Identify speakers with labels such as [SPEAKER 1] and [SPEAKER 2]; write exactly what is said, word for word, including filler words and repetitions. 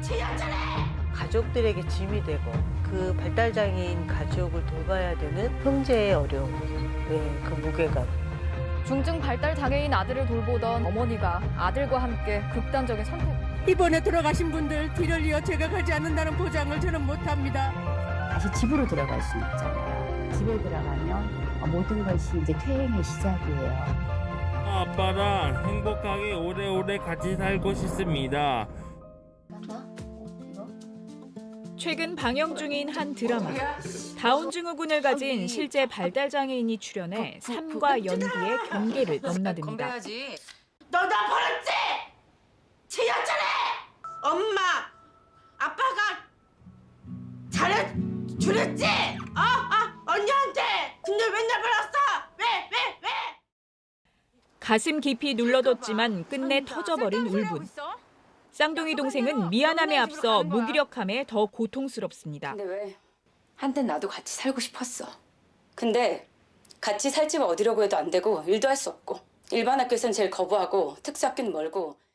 [SPEAKER 1] 가족들에게 짐이 되고 그 발달장애인 가족을 돌봐야 되는 형제의 어려움, 네, 그 무게감.
[SPEAKER 2] 중증 발달 장애인 아들을 돌보던 어머니가 아들과 함께 극단적인 선택.
[SPEAKER 3] 이번에 돌아가신 분들 뒤를 이어 제가 가지 않는다는 보장을 저는 못합니다.
[SPEAKER 4] 다시 집으로 들어갈 수 있잖아요. 집에 들어가면 모든 것이 이제 퇴행의 시작이에요.
[SPEAKER 5] 아빠랑 행복하게 오래오래 같이 살고 싶습니다.
[SPEAKER 6] 최근 방영 중인 한 드라마. 다운증후군을 가진 실제 발달장애인이 출연해 삶과 연기의 경계를 넘나듭니다.
[SPEAKER 7] 너 나 버렸지? 지였잖아! 엄마, 아빠가 잘해주랬지? 어? 어? 언니한테! 근데 맨날 버렸어! 왜? 왜? 왜?
[SPEAKER 6] 가슴 깊이 눌러뒀지만 끝내 터져버린 울분. 쌍둥이 동생은 미안함에 앞서 무기력함에 더 고통스럽습니다.
[SPEAKER 8] 근데 왜? 한땐 나도 같이 살고 싶었어. 근데 같이 살 집 어디라고 해도 안 되고 일도 할 수 없고 일반 학교에선 제일 거부하고 특수학교는 멀고